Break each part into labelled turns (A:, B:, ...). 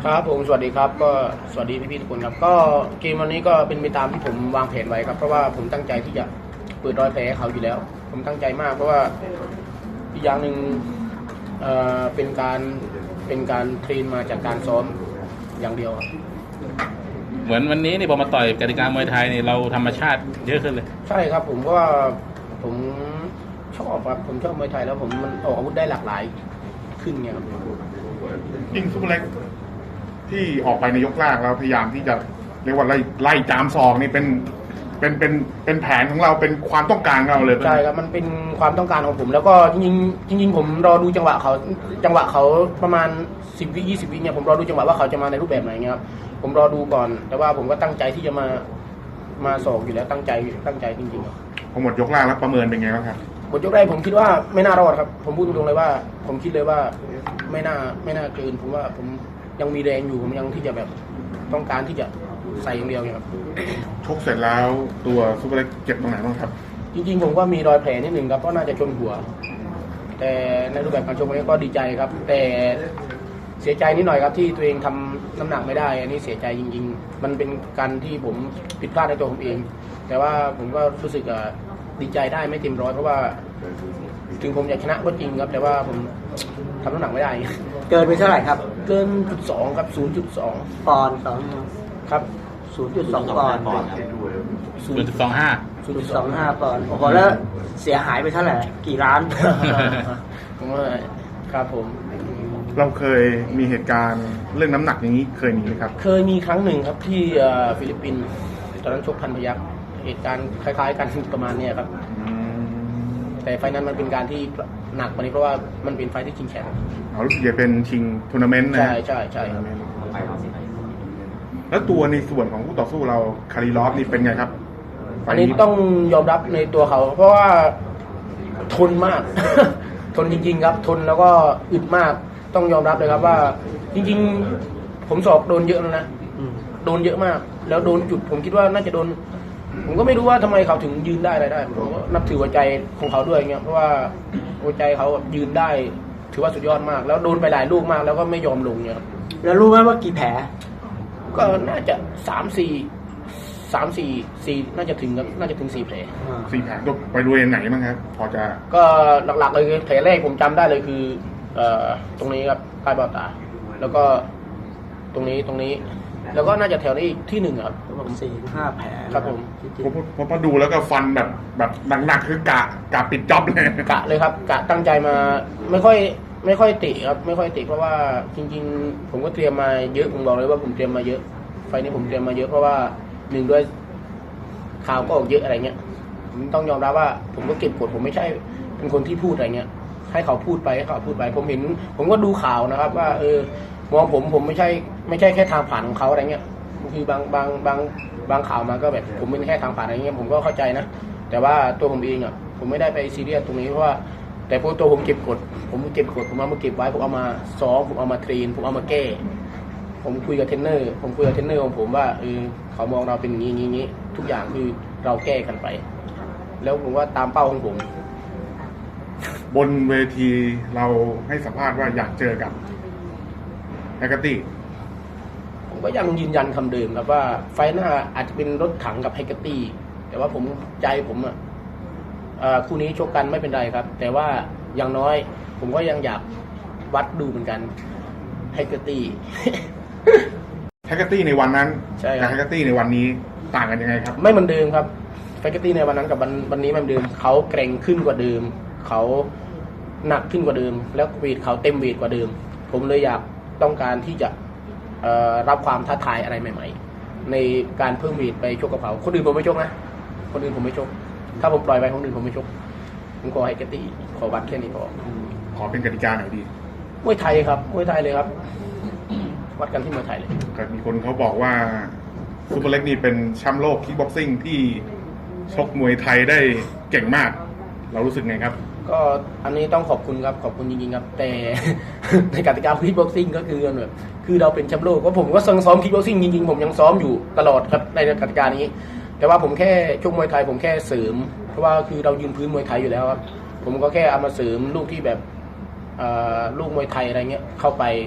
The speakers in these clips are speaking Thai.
A: ครับผมสวัสดีครับก็สวัสดีพี่ๆทุกคนครับก็เกมวันนี้ก็เป็นไปตามที่ผมวางแผนไว้ครับเพราะว่าผมตั้งใจที่จะเปิดรอยแผลให้เขาอยู่แล้วผมตั้งใจมากเพราะว่าอีกอย่างหนึ่งเป็นการเทรนมาจากการซ้อมอย่างเดียวครับ
B: เหมือนวันนี้นี่พอมาต่อยกติกามวยไทยนี่เราธรรมชาติเยอะขึ้นเลย
A: ใช่ครับผมว่าผมชอบครับผมชอบมวยไทยแล้วผมมันออกอาวุธได้หลากหลายขึ้นไงครับ
C: ยิ่งซุปเปอร์เล็กที่ออกไปในยกแรกแล้วพยายามที่จะเรียกว่าไล่จามศอกนี่เป็นแผนของเราเป็นความต้องการของเราเลย
A: ใช่ครับมันเป็นความต้องการของผมแล้วก็จริงผมรอดูจังหวะเขาประมาณ10 วิ 20 วิเนี่ยผมรอดูจังหวะว่าเขาจะมาในรูปแบบไหนเงี้ยครับผมรอดูก่อนแต่ว่าผมก็ตั้งใจที่จะมาสอกอยู่แล้วตั้งใจจริงๆครับ
C: พอหมดยกแรกแล้วประเมินเป็นไงบ้างครับ
A: หมดยกแรกผมคิดว่าไม่น่ารอดครับผมพูดตรงๆเลยว่าผมคิดเลยว่าไม่น่าเกินผมว่าผมยังมีแรงอยู่ผมยังที่จะแบบต้องการที่จะใส่อย่างเดียวครับ
C: ชกเสร็จแล้วตัวซุปเปอร์เล็กเจ็บตรงไหนบ้างครับ
A: จริงๆผมก็มีรอยแผลนิดนึงครับเพราะน่าจะชนหัวแต่ในรูปแบบการชกนี้ก็ดีใจครับแต่เสียใจนิดหน่อยครับที่ตัวเองทำน้ำหนักไม่ได้อันนี้เสียใจจริงๆมันเป็นการที่ผมผิดพลาดในตัวผมเองแต่ว่าผมก็รู้สึกดีใจได้ไม่เต็มร้อยเพราะว่าถึงผมอยากชนะก็จริงครับแต่ว่าผมทำน้ำหนักไม่ได้
D: เกินไปเท่าไหร่ครับ
A: เกิน 0.2 ครับ 0.2
D: ปอนด์สอง
A: ครับ
D: 0.2 ปอนด์
B: 0.25
D: 0.25 ปอนด์โอ้โหแล้วเสียหายไปเท่าไหร่กี่ล้าน
A: ผมว่าครับผม
C: เราเคยมีเหตุการณ์เรื่องน้ำหนักอย่างนี้เคยมีไหมครับ
A: เคยมีครั้งหนึ่งครับที่ฟิลิปปินส์ตอนนั้นชกพันพยัคฆ์เหตุการณ์คล้ายๆกันประมาณนี้ครับแต่ไฟนั้นมันเป็นการที่หนักกว่านี้เพราะว่ามันเป็นไฟที่ชิงแชมป์
C: รู้สึกจะเป็นชิงทัวร์นาเมนต์นะ
A: ใช่ครับ
C: แล้วตัวในส่วนของคู่ต่อสู้เราคาริลอฟนี่เป็นไงครับ
A: อันนี้ต้องยอมรับในตัวเขาเพราะว่าทนมาก ทนจริงๆครับทนแล้วก็อึดมากต้องยอมรับเลยครับว่าจริงๆผมสอบโดนเยอะแล้วนะโดนเยอะมากแล้วโดนจุดผมคิดว่าน่าจะโดนผมก็ไม่รู้ว่าทำไมเขาถึงยืนได้อะไรได้ผมก็นับถือหัวใจของเขาด้วยเงี้ยเพราะว่าหัวใจเขายืนได้ถือว่าสุดยอดมากแล้วโดนไปหลายลูกมากแล้วก็ไม่ยอมลงเนี่ย
D: แล้วรู้ไหมว่ากี่แผล
A: ก็น่าจะ3-4น่าจะถึงครับน่าจะถึง4 แผล
C: 4 แผลก็ไปดูยังไหนบ้างครับพอจะ
A: ก็หลักๆเลยคือแผลแรกผมจำได้เลยคือตรงนี้ครับใต้เบ้าตาแล้วก็ตรงนี้แล้วก็น่าจะแถวนี้ที่1ครับ
D: 4-5 แผล
A: ครับผม
C: พอดูแล้วก็ฟันแบบหนักๆคือกะปิดจ็อบเลย
A: กะเลยครับกะตั้งใจมาไม่ค่อยติครับไม่ค่อยติเพราะว่าจริงๆผมก็เตรียมมาเยอะผมบอกเลยว่าผมเตรียมมาเยอะไฟนี้ผมเตรียมมาเยอะเพราะว่า1ด้วยข่าวก็ออกเยอะอะไรเงี้ยผมต้องยอมรับว่าผมก็เก็บกดผมไม่ใช่เป็นคนที่พูดอะไรเงี้ยให้เขาพูดไปผมก็ดูข่าวนะครับว่ามองผมไม่ใช่แค่ทางผ่านของเขาอะไรเงี้ยคือบางข่าวมาก็แบบผมเป็นแค่ทางผ่านอะไรเงี้ยผมก็เข้าใจนะแต่ว่าตัวผมเองผมไม่ได้ไปซีเรียสตรงนี้เพราะว่าแต่พวกตัวผมเก็บกดผมเอามาเก็บไว้ผมเอามาซ้อมผมเอามาเทรนผมเอามาแก้ผมคุยกับเทรนเนอร์ของผมว่าเขามองเราเป็นอย่างนี้ทุกอย่างคือเราแก้กันไปแล้วผมว่าตามเป้าของผม
C: บนเวทีเราให้สัมภาษณ์ว่าอยากเจอกับแฮกเกอร์ตี้
A: ผมก็ยังยืนยันคำเดิมครับว่าไฟหน้าอาจจะเป็นรถถังกับแฮกเกอร์ตี้แต่ว่าผมใจผมคู่นี้ชกกันไม่เป็นไรครับแต่ว่าอย่างน้อยผมก็ยังอยากวัดดูเหมือนกันแฮกเกอร์ตี้
C: แฮกเกอร์ตี้ในวันนั้นกับแฮกเกอร์ตี้ในวันนี้ต่างกันยังไงครับ
A: ไม่เหมือนเดิมครับแฮกเกอร์ตี้ในวันนั้นกับวันนี้ไม่เหมือนเดิมเขาเกรงขึ้นกว่าเดิมเขาหนักขึ้นกว่าเดิมแล้วเวทเขาเต็มเวทกว่าเดิมผมเลยอยากต้องการที่จะรับความท้าทายอะไรใหม่ๆในการเพิ่มเวทไปชกกับเขาคนอื่นผมไม่ชกนะคนอื่นผมไม่ชกถ้าผมปล่อยไปคนอื่นผมไม่ชกผมขอให้แฮกเกอร์ตี้ขอวัดแค่นี้
C: ขอเป็นกติกาหน่อยดี
A: มวยไทยครับมวยไทยเลยครับวัดกันที่มวยไทยเลย
C: มีคนเขาบอกว่าซุปเปอร์เล็กนี่เป็นแชมป์โลกคิกบ็อกซิ่งที่ชกมวยไทยได้เก่งมากเรารู้สึกไงครับ
A: ก็อันนี้ต้องขอบคุณครับขอบคุณจริงๆครับแต่ ในกติกาคิกบ็อกซิ่งก็คือแบบคือเราเป็นแชมป์โลกก็ผมก็ซ้อมคิกบ็อกซิ่งจริงๆผมยังซ้อมอยู่ตลอดครับในกติกานี้แต่ว่าผมแค่ชกมวยไทยผมแค่เสริมเพราะว่าคือเรายืนพื้นมวยไทยอยู่แล้วครับผมก็แค่เอามาเสริมลูกที่แบบลูกมวยไทยอะไรเงี้ยเข้าไป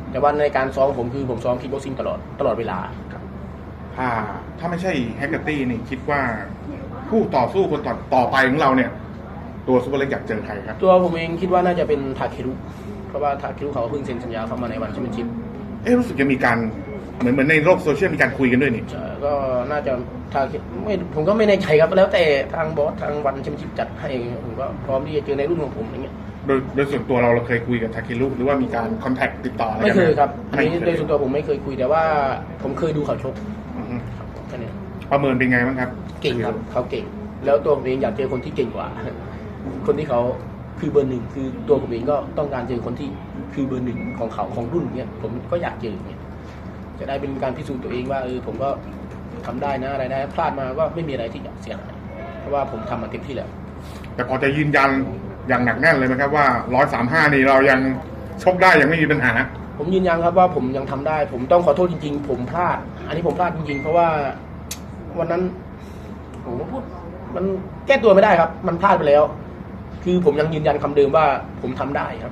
A: แต่ว่าในการซ้อมผมคือผมซ้อมคิกบ็อกซิ่งตลอดเวลา
C: ถ้าไม่ใช่แฮกเกอร์ตี้นี่คิดว่าผู้ต่อสู้คนต่อไปของเราเนี่ย ตัวซูเปอร์เล็กอยากเจอใครครับ
A: ตัวผมเองคิดว่าน่าจะเป็นทาเครุเพราะว่าทาเครุเขาเพิ่งเซ็นสัญญาเข้ามาในวันแชมเปี้ยนชิพ
C: รู้สึกจะมีการเหมือนในโลกโซเชียลมีการคุยกันด้วยนี่
A: ก็น่าจะไม่ผมก็ไม่แน่ใจครับแล้วแต่ทางบอสทางวันแชมเปี้ยนชิพจัดให้ผมก็พร้อมที่จะเจอในรุ่นของผมอย่างเงี้ย
C: โดยส่วนตัวเราเคยคุยกับทาเครุหรือว่ามีการคอนแทคติดต่ออะไร
A: ไม่
C: กัน
A: เค
C: ห
A: ยครับอันนี้
C: ไม่เค
A: โด
C: ย
A: ยส่วนตัวผมไม่เคยคุยแต่ว่าผมเคยดูเขาชก
C: อือฮึ
A: แค่นี้
C: ประเมินเป็นไงบ้างครับ
A: เก่งครับเขาเก่ง แล้วตัวผมเองอยากเจอคนที่เก่งกว่า คนที่เขาคือเบอร์หนึ่งคือตัวผมเองก็ต้องการเจอคนที่คือเบอร์หนึ่งของเขาของรุ่นเนี้ยผมก็อยากเจอเนี่ยจะได้เป็นการพิสูจน์ตัวเองว่าผมก็ทำได้นะอะไรได้พลาดมาก็ไม่มีอะไรที่จะเสียหายเพราะว่าผมทำมาเต็มที่แล้ว
C: แต่พอจะยืนยันอย่างหนักแน่นเลยไหมครับว่า135นี่เรายังชกได้ยังไม่มีปัญหา
A: ผมยืนยันครับว่าผมยังทำได้ ผมต้องขอโทษจริงๆ ผมพลาด อันนี้ผมพลาดจริงๆ เพราะว่าวันนั้นผมก็พูดมันแก้ตัวไม่ได้ครับ มันพลาดไปแล้ว คือผมยังยืนยันคำเดิมว่าผมทำได้ครับ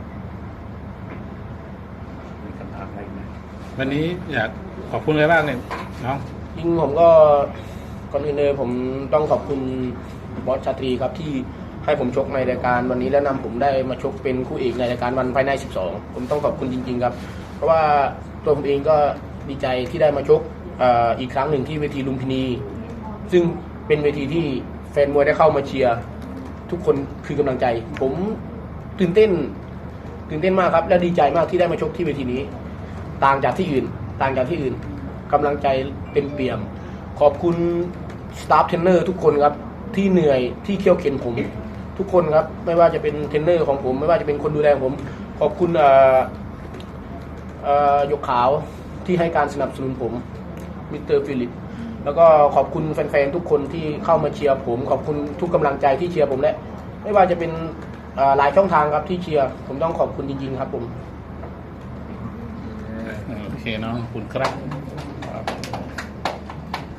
C: มีคำถามอะไรไหม
B: วันนี้อยากขอบคุณอะไรบ้างเนี่ยน้อง
A: จริงผมก็ก่อนอื่นเลยผมต้องขอบคุณบอสชาตรีครับที่ให้ผมชกในรายการวันนี้และนำผมได้มาชกเป็นคู่เอกในรายการวันไฟนอล12ผมต้องขอบคุณจริงๆครับ เพราะว่าตัวผมเองก็ดีใจที่ได้มาชกอีกครั้งหนึ่งที่เวทีลุมพินี ซึ่งเป็นเวทีที่แฟนมวยได้เข้ามาเชียร์ทุกคนคือกำลังใจ ผมตื่นเต้นมากครับและดีใจมากที่ได้มาชกที่เวทีนี้ ต่างจากที่อื่นกำลังใจเต็มเปี่ยม ขอบคุณสตาฟเทรนเนอร์ทุกคนครับที่เหนื่อยที่เคี่ยวเข็นผมทุกคนครับไม่ว่าจะเป็นเทรนเนอร์ของผมไม่ว่าจะเป็นคนดูแลผม ขอบคุณยกขาวที่ให้การสนับสนุนผมมิสเตอร์ฟิลิปแล้วก็ขอบคุณแฟนๆทุกคนที่เข้ามาเชียร์ผมขอบคุณทุกกำลังใจที่เชียร์ผมและไม่ว่าจะเป็นหลายช่องทางครับที่เชียร์ผมต้องขอบคุณจริงๆครับผม
B: โอเคน้องขอบคุณครับ